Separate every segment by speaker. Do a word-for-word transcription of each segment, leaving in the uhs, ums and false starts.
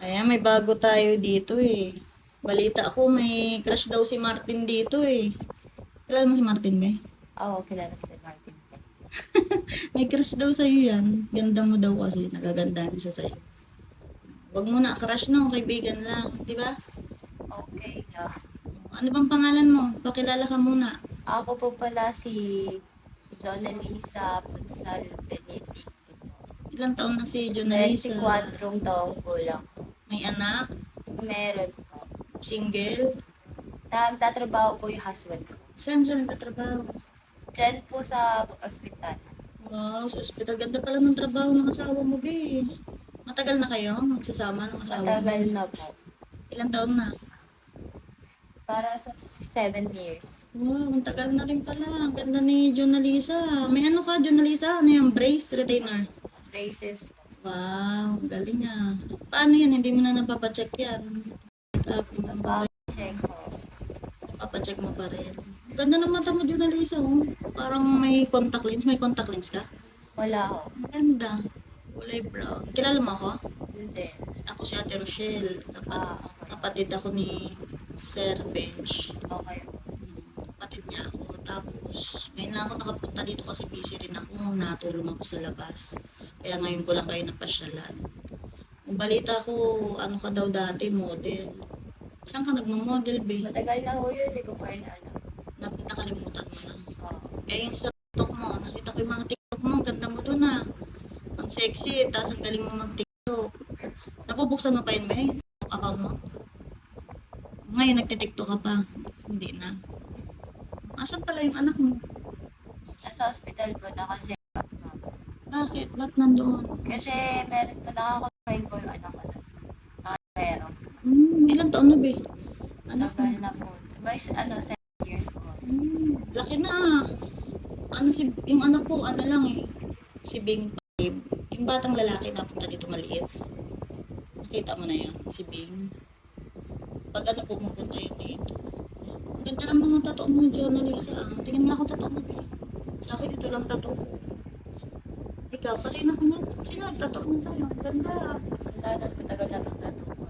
Speaker 1: Ayan, may bago tayo dito eh. Balita ako, may crush daw si Martin dito eh. Kilala mo si Martin ba?
Speaker 2: Oo, kilala si Martin.
Speaker 1: May crush daw sa'yo yan. Ganda mo daw kasi, nagagandahan siya sa'yo. Huwag mo na crush no, kaibigan lang. Di ba?
Speaker 2: Okay, no.
Speaker 1: Ano bang pangalan mo? Pakilala ka muna.
Speaker 2: Ako po pala si Jonalisa Punsal Benedicto.
Speaker 1: Ilang taon na si Jonalisa?
Speaker 2: twenty-four taong gulang.
Speaker 1: May anak?
Speaker 2: Meron po.
Speaker 1: Single?
Speaker 2: Nagtatrabaho po yung husband ko.
Speaker 1: Saan siya nagtatrabaho?
Speaker 2: Diyan po sa ospital.
Speaker 1: Wow, sa ospital. Ganda pala ng trabaho ng asawa mo, be. Matagal na kayo magsasama ng asawa mo?
Speaker 2: Matagal na po.
Speaker 1: Ilang taon na?
Speaker 2: Para sa seven years.
Speaker 1: Wow, ang tagal na rin pala. Ang ganda ni Jonalisa. May ano ka, Jonalisa? Ano yung brace, retainer?
Speaker 2: Braces po.
Speaker 1: Wow, ang galing ah. Paano yan? Hindi mo na napapacheck yan? Up,
Speaker 2: Napacheck ko.
Speaker 1: Papacheck mo pa rin. Ganda ng mata mo, Jonalisa. Oh. Parang may contact lens. May contact lens ka?
Speaker 2: Wala ho.
Speaker 1: Ang ganda. Kulay brown. Kilala mo ako?
Speaker 2: Hindi.
Speaker 1: Ako si Ate Rochelle. Kapat
Speaker 2: Ah, okay.
Speaker 1: kapatid ako ni Sir Bench.
Speaker 2: Okay.
Speaker 1: Kapatid niya ako. Tapos, ngayon lang ako nakapunta dito kasi busy rin ako. Natulong ako sa labas. Kaya ngayon ko lang kayo napasyalan. Ang balita ko, ano ka daw dati, model. Saan ka nagmo-model, babe?
Speaker 2: Matagal na ho yun. Hindi ko pa rin alam.
Speaker 1: Na nakalimutan mo na.
Speaker 2: Oo.
Speaker 1: Eh, yung sa TikTok mo, nakita ko yung mga TikTok mo. Ang ganda mo dun ah. Ang sexy, tapos ang galing mo mag-TikTok. Napubuksan mo pa yun, ba? TikTok account mo? Ngayon, nagtitiktok ka pa. Hindi na. Asan pala yung anak mo?
Speaker 2: Nasa hospital po, naka-check up nga po.
Speaker 1: Bakit? Ba't nandoon?
Speaker 2: Kasi meron po, nakakonfine ko yung anak ko doon. Nakapero.
Speaker 1: Hmm, ilang taon na, be? Anak mo?
Speaker 2: Tagal na po. May ano, seven years old.
Speaker 1: Hmm, laki na ah. Ano si, yung anak ko, ano lang eh. Si Bing five. Yung batang lalaki napunta dito maliit. Nakita mo na yun, si Bing. Pag ano pumupunta yun dito. Ang ganda ng mga tattoo mo, Jonalisa. Ah. Tingnan nga ako tattoo mo, be. Sa akin, ito lang tattoo ko. Ikaw, pati na ko niyan. Sino nagtattoo niyan sa'yo? Ang ganda.
Speaker 2: Wala na, matagal na itong tattoo ko.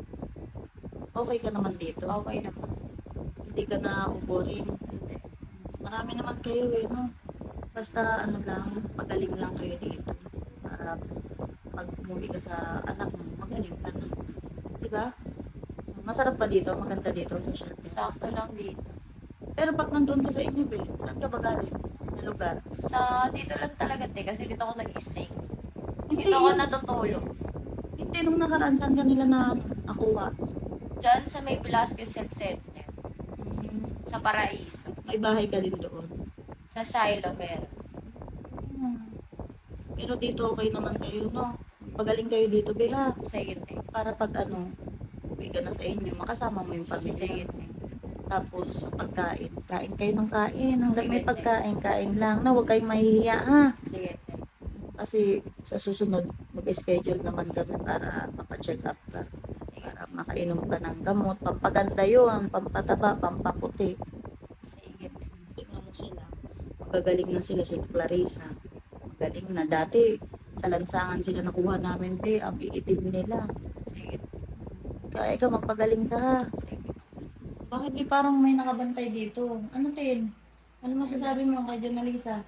Speaker 1: Okay ka naman dito.
Speaker 2: Okay na po.
Speaker 1: Hindi ka na boring.
Speaker 2: Hindi.
Speaker 1: Marami naman kayo eh, no? Basta ano lang, pagaling lang kayo dito. Para pag umuwi ka sa anak mo, magaling ka na. Diba? Masarap pa dito, maganda dito sa Shelby.
Speaker 2: Sakto lang dito.
Speaker 1: Pero pag nandun ka sa inyo, be, saan ka ba galing? Na lugar?
Speaker 2: Sa dito lang talaga, te, kasi dito ako nag-ising.
Speaker 1: Hindi,
Speaker 2: Dito ako natutulog.
Speaker 1: hindi nung nakaraan, saan ka nila na nakuha?
Speaker 2: Diyan sa may Velasquez Health Center.
Speaker 1: Hmm,
Speaker 2: Sa Paraiso.
Speaker 1: may bahay ka din doon.
Speaker 2: Sa Silo, meron.
Speaker 1: Hmm. Pero dito okay naman kayo, no? Pagaling kayo dito, be, ha?
Speaker 2: Sige, te.
Speaker 1: Para pag ano, uwi ka na sa inyo, makasama mo yung pamilya.
Speaker 2: Sige, te.
Speaker 1: Tapos, sa pagkain, kain kayo ng kain. Hanggang may
Speaker 2: Sige.
Speaker 1: pagkain, kain lang. Na, huwag kayong mahihiya, ha?
Speaker 2: Sige, te.
Speaker 1: Kasi sa susunod, mag-schedule naman kami para mapacheck up ka.
Speaker 2: Sige.
Speaker 1: Para makainom ka ng gamot. Pampaganda yun, pampataba, pampaputi.
Speaker 2: Sige, te.
Speaker 1: Tingnan mo sila. Magagaling na sila si Clarissa. Magaling na. Dati, sa lansangan sila nakuha namin, be, ang iitim nila.
Speaker 2: Sige, te.
Speaker 1: Kaya ikaw, magpagaling ka, ha?
Speaker 2: Sige.
Speaker 1: Bakit di parang may nakabantay dito? Ano, Tin? Ano masasabi mo kay Jonalisa?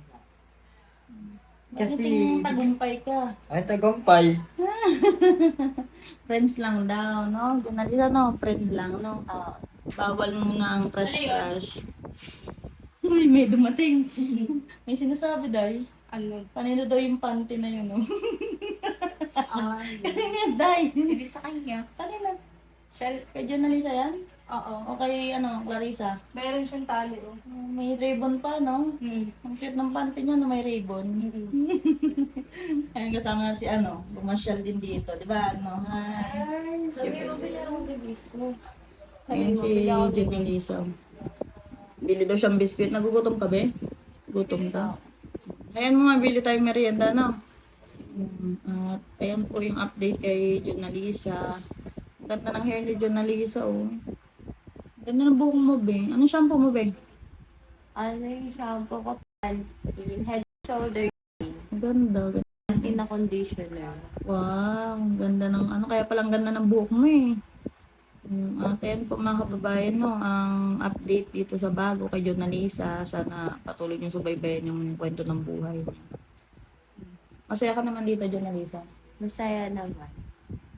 Speaker 1: Kasi
Speaker 3: Kasi-
Speaker 1: tingin tagumpay ka.
Speaker 3: Ay, tagumpay.
Speaker 1: Friends lang daw, no? Jonalisa, no? Friend lang, no?
Speaker 2: Oo.
Speaker 1: Bawal muna ang crush-crush. Uy, may dumating. May sinasabi, Day.
Speaker 4: Ano?
Speaker 1: Kanino daw yung panty na yun, no?
Speaker 4: Ay.
Speaker 1: Kanino yan, Day?
Speaker 4: Hindi sa kanya.
Speaker 1: Kanino?
Speaker 4: Shell?
Speaker 1: Kay Jonalisa yan?
Speaker 4: Oo.
Speaker 1: O kay, ano, Clarissa?
Speaker 4: Meron siyang tali, oh.
Speaker 1: Oh, may ribbon pa, no?
Speaker 4: Hmm.
Speaker 1: Ang cute ng panty niya na may ribbon. Ayun, kasama na si ano, bumasyal din dito, di ba? Ano, hi.
Speaker 2: Sabi mo, bili ako ng biscuit. Sabi
Speaker 1: Ayun
Speaker 2: mo,
Speaker 1: si
Speaker 2: bili ako ng biscuit.
Speaker 1: Jonalisa. Bili daw siyang biscuit. Nagugutom ka, be? Gutom ka. Ayan mo nga, bili tayong merienda, no? Mm, At ayan po yung update kay Jonalisa. Ang ganda ng hair ni Jonalisa, oh. Ang ganda ng buhok mo, be. Anong shampoo mo, be?
Speaker 2: Ano yung shampoo ko? Pantene. Head, shoulder.
Speaker 1: Ang ganda.
Speaker 2: Anti na conditioner.
Speaker 1: Wow, ang ganda ng ano, kaya palang ganda ng buhok mo eh. Um, at yan po mga kababayan, no, ang update dito sa bago kay Jonalisa. Sana patuloy niyong subaybayan yung kwento ng buhay niya. Masaya ka naman dito, Jonalisa.
Speaker 2: Masaya naman.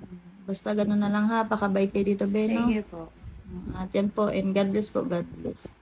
Speaker 1: Basta ganun na lang ha, pakabait kayo dito, Beno.
Speaker 2: Sige po.
Speaker 1: At yan po, and God bless po, God bless.